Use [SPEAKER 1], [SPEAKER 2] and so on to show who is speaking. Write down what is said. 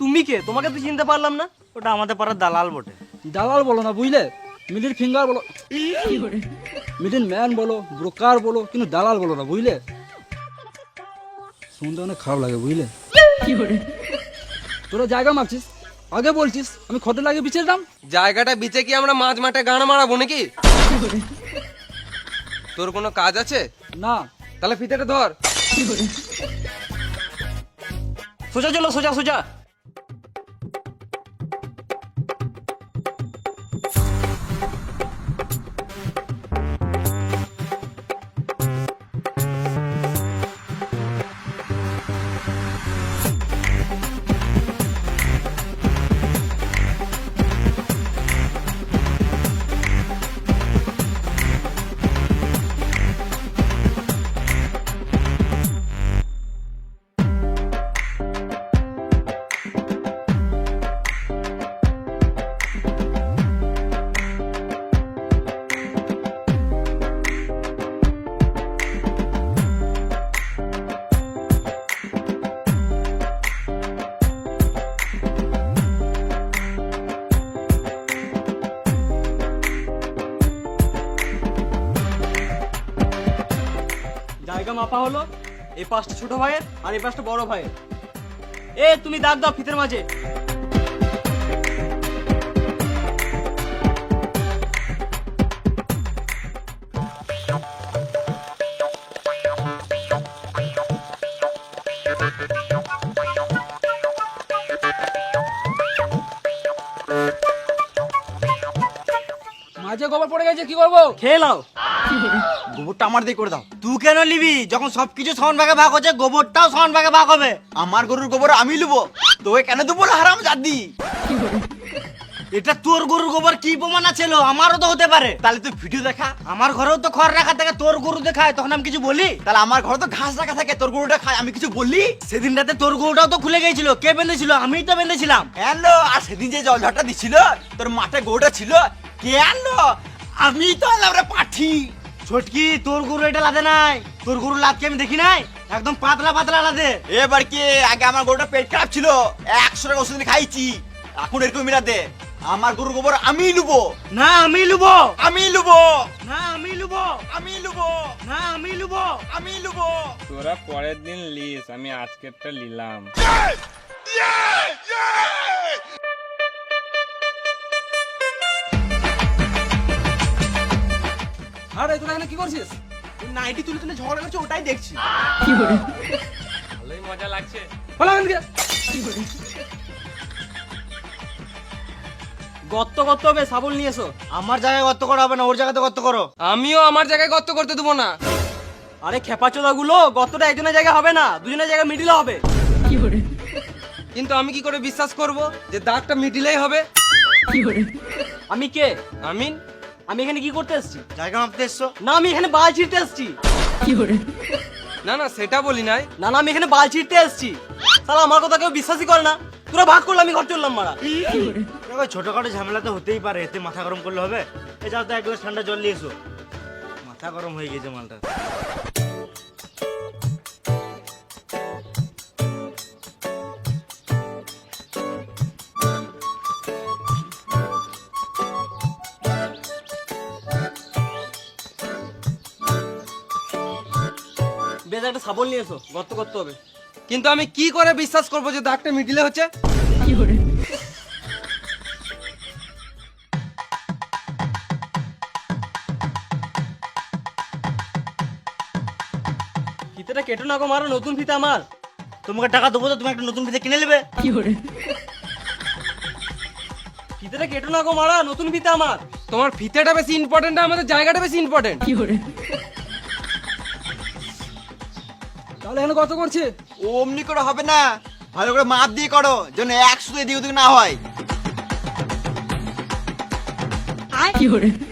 [SPEAKER 1] তুমি কে? তোমাকে তো চিনতে পারলাম না।
[SPEAKER 2] ওটা আমাদের পাড়ার দালাল বটে।
[SPEAKER 3] দালাল বলো না বুঝলে, মিডিল ফিঙ্গার বলো, মিডিল ম্যান বলো, ব্রোকার বলো, কিন্তু দালাল বলো না বুঝলে। শুনতে অনেক খারাপ লাগে বুঝলে। তোরা জায়গা মাপছিস, আগে বলছিস আমি খতে লাগে বিচের দাম।
[SPEAKER 4] জায়গাটা বিচে কি আমরা মাঝ মাঠে গান মারাবো নাকি? তোর কোনো কাজ আছে?
[SPEAKER 3] না
[SPEAKER 4] তাহলে ফিতেটা ধর।
[SPEAKER 1] সোজা চলো, সোজা সোজা। জায়গা মাপা হলো। এই পাঁচটা ছোট ভাইয়ের আর এই পাঁচটা বড় ভাইয়ের। এ তুমি দাগ দাও ফিতের মাঝে।
[SPEAKER 3] মাঝে গোবর পড়ে গেছে, কি করবো?
[SPEAKER 1] খেয়ে নাও।
[SPEAKER 2] গোবরটা আমার দিয়ে করে দাও। তুই কেন নিবি? যখন সবকিছু সমান ভাগে ভাগ হচ্ছে, গোবরটাও সমান ভাগে ভাগ হবে। আমার গরুর গোবর আমি লুবো, তোকে কেন দেবো হারাম জাদি? এটা তোর গরুর গোবর কি প্রমাণ আছে? আমারও তো হতে পারে। তাহলে তুই ভিডিও দেখা। আমার ঘরেও তো খড় রাখা থাকে, তোর গরু দেখায়, তখন আমি কিছু বলি? তাহলে আমার ঘরে তো ঘাস রাখা থাকে, তোর গরুটা খায়, আমি কিছু বলি? সেদিন রাতে তোর গরুটাও তো খুলে গেছিল, কে বেঁধেছিল? আমিই তো বেঁধেছিলাম। হ্যালো, আর সেদিন যে জল ঝড়টা দিছিল, তোর মাঠে গরুটা ছিল, কে আনলো? আমি তো আনলাম রে পাঠি। ছোটকি, তোর গরু এটা লাদে নাই। তোর গরু লাদকে আমি দেখি নাই, একদম পাতলা পাতলা লাদে। এবার কি? আগে আমার গরুটা পেট খারাপ ছিল, 100 টাকা ওষুধ খাইছি, এখন এরকম মিলা দে। আমার গরুর গোবর আমি লুবো। না আমি লুবো, আমি লুবো। না আমি লুবো, আমি লুবো। না আমি লুবো, আমি লুবো।
[SPEAKER 5] তোরা পরের দিন লিস, আমি আজকেরটা নিলাম।
[SPEAKER 3] আরে তোরা এখানে কি করছিস?
[SPEAKER 2] নাইটি তুলে তুলে ঝগড়া করছে, ওটাই দেখছি।
[SPEAKER 5] ভালোই মজা লাগছে।
[SPEAKER 3] বলো এখান থেকে।
[SPEAKER 1] গর্ত করতে হবে, শাবল নিয়ে এসো।
[SPEAKER 2] আমার জায়গায় গর্ত করা হবে না, ওর জায়গাতে গর্ত করো।
[SPEAKER 4] আমিও আমার জায়গায় গর্ত করতে দেবো না।
[SPEAKER 1] আরে খেপাচোদা গুলো, গর্তটা একজনের জায়গায় হবে না, দুজনের জায়গায় মিডিলে হবে।
[SPEAKER 4] কিন্তু আমি কি করে বিশ্বাস করব যে দাগটা মিডিলেই হবে?
[SPEAKER 1] আমি কে?
[SPEAKER 4] আমিন।
[SPEAKER 1] আমি এখানে কি করতে এসেছি?
[SPEAKER 2] জায়গা মাপতে এসছো?
[SPEAKER 1] না, আমি এখানে বাল ছিঁড়তে এসেছি।
[SPEAKER 4] না না, সেটা বলি নাই।
[SPEAKER 1] না না, আমি এখানে বাল ছিঁড়তে এসেছি। শালা আমার কথা কেউ বিশ্বাসই করে না। তোরা ভাগ করলে আমি ঘর চললাম মারা।
[SPEAKER 2] দেখো, ছোটখাটো ঝামেলা তো হতেই পারে, এতে মাথা গরম করলে হবে? এ যাও তো এক গ্লাস ঠান্ডা জল নিয়ে এসো, মাথা গরম হয়ে গেছে মালটা।
[SPEAKER 1] বেশ, একটা শাবল নিয়ে এসো, গর্ত করতে হবে।
[SPEAKER 4] কিন্তু আমি কি করে বিশ্বাস করব যে দাগটা মিডিলে হচ্ছে?
[SPEAKER 1] ফিতেটা কেটো না গো মারো, নতুন ফিতে আমার।
[SPEAKER 2] তোমাকে টাকা দেবো তো তুমি একটা নতুন ফিতে কিনে নেবে।
[SPEAKER 1] ফিতেটা কেটো না গো মারা, নতুন ফিতে আমার।
[SPEAKER 4] তোমার ফিতেটা বেশি ইম্পর্টেন্ট না আমাদের জায়গাটা বেশি ইম্পর্টেন্ট?
[SPEAKER 3] তাহলে এখানে কত করছে?
[SPEAKER 2] অমনি করে হবে না, ভালো করে মাপ দিয়ে করো, যেন 100 এদিক ওদিক না হয়।